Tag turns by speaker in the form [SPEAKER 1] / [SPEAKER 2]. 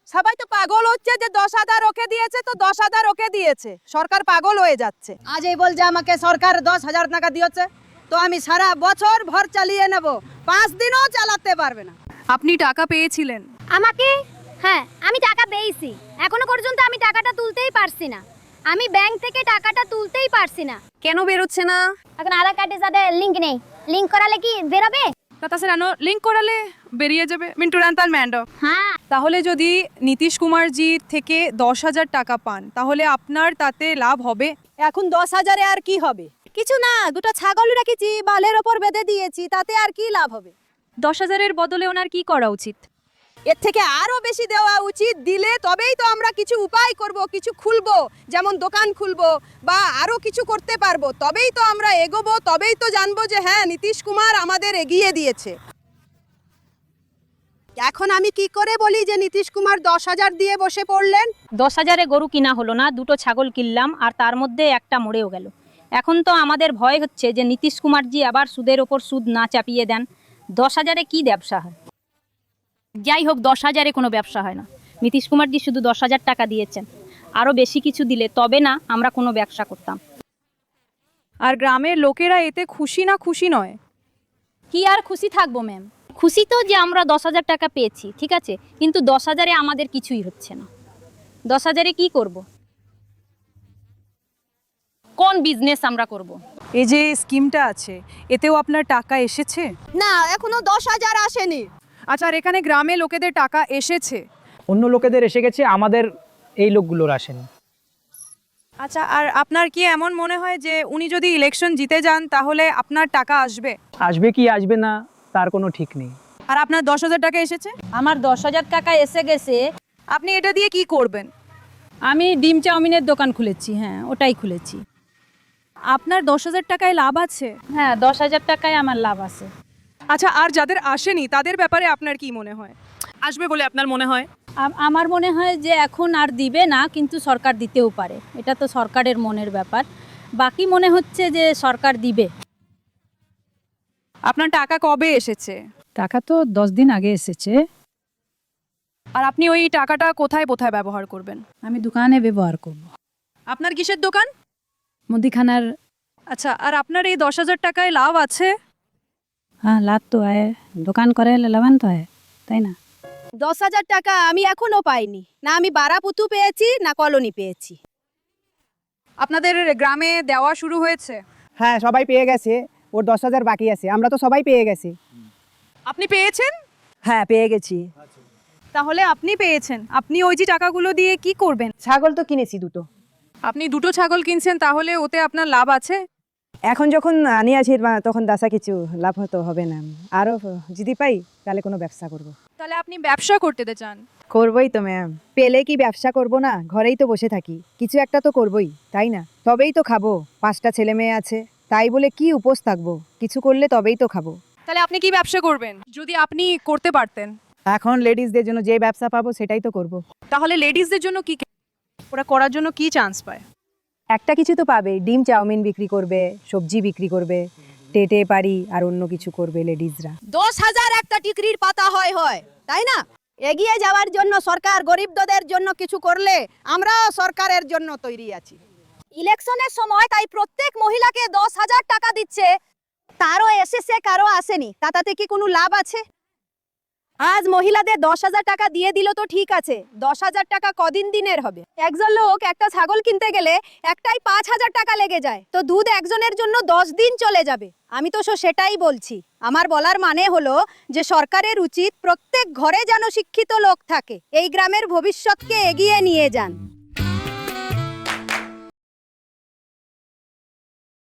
[SPEAKER 1] সবাই তো পাগল হচ্ছে যে 10,000 ওকে দিয়েছে তো 10,000 ওকে দিয়েছে, সরকার পাগল হয়ে যাচ্ছে।
[SPEAKER 2] আজ এই বল যে আমাকে সরকার 10,000 টাকা দিয়েছে, তো আমি সারা বছর ভর চালিয়ে নেব, 5 দিনও চালাতে পারবে না।
[SPEAKER 3] আপনি টাকা পেয়েছিলেন?
[SPEAKER 4] আমাকে, হ্যাঁ আমি টাকা পেয়েছি। এখনো পর্যন্ত আমি টাকাটা তুলতেই পারছি না। আমি ব্যাংক থেকে টাকাটা তুলতেই পারছি না।
[SPEAKER 3] কেন বেরোচ্ছে না?
[SPEAKER 4] এখন আধার কার্ডের সাথে লিংক নেই। লিংক করালে কি বেরোবে?
[SPEAKER 3] তাছাড়া লিঙ্ক করালে বেরিয়ে যাবে মিন্টুরান্তাল ম্যান্ডো।
[SPEAKER 4] হ্যাঁ।
[SPEAKER 3] তাহলে যদি নীতিশ কুমারজি থেকে 10,000 টাকা পান তাহলে আপনার তাতে লাভ হবে?
[SPEAKER 1] এখন 10,000-এ আর কি হবে? কিছু না, দুটো ছাগল রেখেছি, বালের ওপর বেঁধে দিয়েছি, তাতে আর কি লাভ হবে?
[SPEAKER 3] 10,000-এর বদলে ওনার কি করা উচিত?
[SPEAKER 1] এর থেকে আরো বেশি দেওয়া উচিত। দিলে তবেই তো আমরা কিছু উপায় করব, কিছু খুলবো, যেমন দোকান খুলবো বা আরো কিছু করতে পারবো। তবেই তো আমরা এগোবো, তবেই তো জানবো যে হ্যাঁ নীতিশ কুমার আমাদের এগিয়ে দিয়েছে। এখন আমি কি করে বলি যে নীতিশ কুমার 10,000 দিয়ে বসে পড়লেন?
[SPEAKER 5] 10,000-এ গরু কিনা হলো না, দুটো ছাগল কিনলাম আর তার মধ্যে একটা মরেও গেল। এখন তো আমাদের ভয় হচ্ছে যে নীতিশ কুমারজি আবার সুদের ওপর সুদ না চাপিয়ে দেন। 10,000-এ কি ব্যবসা হয়? যাই হোক, 10,000-এ কোনো ব্যবসা হয় না। নীতিশ কুমারজি শুধু 10,000 টাকা দিয়েছেন, আরও বেশি কিছু দিলে তবে না আমরা কোনো ব্যবসা করতাম।
[SPEAKER 3] আর গ্রামের লোকেরা এতে খুশি না খুশি নয়?
[SPEAKER 5] কি আর খুশি থাকবো ম্যাম? খুশি তো যে আমরা 10,000 টাকা পেয়েছি, ঠিক আছে, কিন্তু 10,000-এ আমাদের কিছুই হচ্ছে না। 10,000-এ কি করব? কোন বিজনেস আমরা করব?
[SPEAKER 3] এই যে স্কিমটা আছে এতেও আপনার টাকা এসেছে?
[SPEAKER 1] না, এখনো 10,000 আসেনি।
[SPEAKER 3] আচ্ছা, আর এখানে গ্রামে লোকেদের টাকা এসেছে?
[SPEAKER 6] অন্য লোকেদের এসে গেছে, আমাদের এই লোকগুলোর আসেনি।
[SPEAKER 3] আচ্ছা, আর আপনার কি এমন মনে হয় যে উনি যদি ইলেকশন জিতে যান তাহলে আপনার টাকা আসবে?
[SPEAKER 6] আসবে কি আসবে না তার কোনো ঠিক নেই।
[SPEAKER 3] আর আপনার 10,000 টাকা এসেছে?
[SPEAKER 5] আমার 10,000 টাকা এসে গেছে।
[SPEAKER 3] আপনি এটা দিয়ে কি করবেন?
[SPEAKER 5] আমি ডিম চাউমিনের দোকান খুলেছি, হ্যাঁ ওটাই খুলেছি।
[SPEAKER 3] আপনার 10,000 টাকায় লাভ আছে?
[SPEAKER 5] হ্যাঁ, 10,000 টাকায় আমার লাভ আছে।
[SPEAKER 3] আচ্ছা, আর যাদের আসেনি তাদের ব্যাপারে আপনার কি মনে হয়? আসবে বলে আপনার মনে হয়?
[SPEAKER 5] আমার মনে হয় যে এখন আর দিবে না, কিন্তু সরকার দিতেও পারে, এটা তো সরকারের মনের ব্যাপার। বাকি মনে হচ্ছে যে সরকার দিবে।
[SPEAKER 3] আপনার টাকা কবে এসেছে?
[SPEAKER 7] টাকা তো 10 দিন আগে এসেছে।
[SPEAKER 3] আর আপনি ওই টাকাটা কোথায় কোথায় ব্যবহার করবেন?
[SPEAKER 7] আমি দোকানে ব্যবহার করব,
[SPEAKER 3] আপনার কিসের দোকান?
[SPEAKER 7] মুদিখানার।
[SPEAKER 3] আচ্ছা, আর আপনার এই 10,000 টাকায় লাভ আছে?
[SPEAKER 7] হ্যাঁ, লাভ তো আয়, দোকান করে লাভান তো আয়, তাই না?
[SPEAKER 1] 10,000 টাকা আমি এখনো পাইনি। না আমি বারাপুতু পেয়েছি, না কলোনি পেয়েছি।
[SPEAKER 3] আপনাদের গ্রামে দেওয়া শুরু হয়েছে?
[SPEAKER 8] হ্যাঁ, সবাই পেয়ে গেছে। ওর 10,000 বাকি আছে, আমরা তো সবাই পেয়ে গেছি।
[SPEAKER 3] আপনি পেয়েছেন?
[SPEAKER 2] হ্যাঁ পেয়ে গেছি।
[SPEAKER 3] তাহলে আপনি পেয়েছেন, আপনি ওই যে টাকাগুলো দিয়ে কি করবেন?
[SPEAKER 2] ছাগল তো কিনেছি দুটো।
[SPEAKER 3] আপনি দুটো ছাগল কিনছেন, তাহলে ওতে আপনার লাভ আছে?
[SPEAKER 8] এখন যখন আনিয়াছি তখন দাসা কিছু লাভ হতো হবে না। আরও যদি পাই তাহলে কোনো ব্যবসা করব।
[SPEAKER 3] তাহলে আপনি ব্যবসা করতে চান?
[SPEAKER 8] করবই তো ম্যাম, পেলে কি ব্যবসা করব না? ঘরেই তো বসে থাকি, কিছু একটা তো করবই, তাই না? তবেই তো খাবো। 5টা ছেলে মেয়ে আছে, তাই বলে কি উপোস থাকবো? কিছু করলে তবেই তো খাবো।
[SPEAKER 3] তাহলে আপনি কি ব্যবসা করবেন যদি আপনি করতে পারতেন?
[SPEAKER 8] এখন লেডিসদের জন্য যে ব্যবসা পাবো সেটাই তো করব।
[SPEAKER 3] তাহলে লেডিসদের জন্য কি, ওরা করার জন্য কি চান্স পায়?
[SPEAKER 8] একটা কিছু তো পাবে, ডিম চাউমিন বিক্রি করবে, সবজি বিক্রি করবে, টেটে পারি আর অন্য কিছু করবে লেডিসরা।
[SPEAKER 1] 10,000 একটা টিকরির পাতা হয়, তাই না? এগিয়ে যাওয়ার জন্য সরকার গরিবদের জন্য কিছু করলে আমরাও সরকারের জন্য তৈরি আছি। ইলেকশনের সময় তাই প্রত্যেক মহিলাকে 10,000 টাকা দিচ্ছে, তারও এসেছে কারো আসেনি, তাতে কি কোনো লাভ আছে? আজ মহিলাদের 10,000 টাকা দিয়ে দিল তো ঠিক আছে, 10,000 টাকা কদিন দিনের হবে? একজন লোক একটা ছাগল কিনতে গেলে একটাই 5,000 টাকা লেগে যায়, তো দুধ একজনের জন্য 10 দিন চলে যাবে। আমি তো সেটাই বলছি। আমার বলার মানে হলো যে সরকারের উচিত প্রত্যেক ঘরে যেন শিক্ষিত লোক থাকে, এই গ্রামের ভবিষ্যৎকে এগিয়ে নিয়ে যান।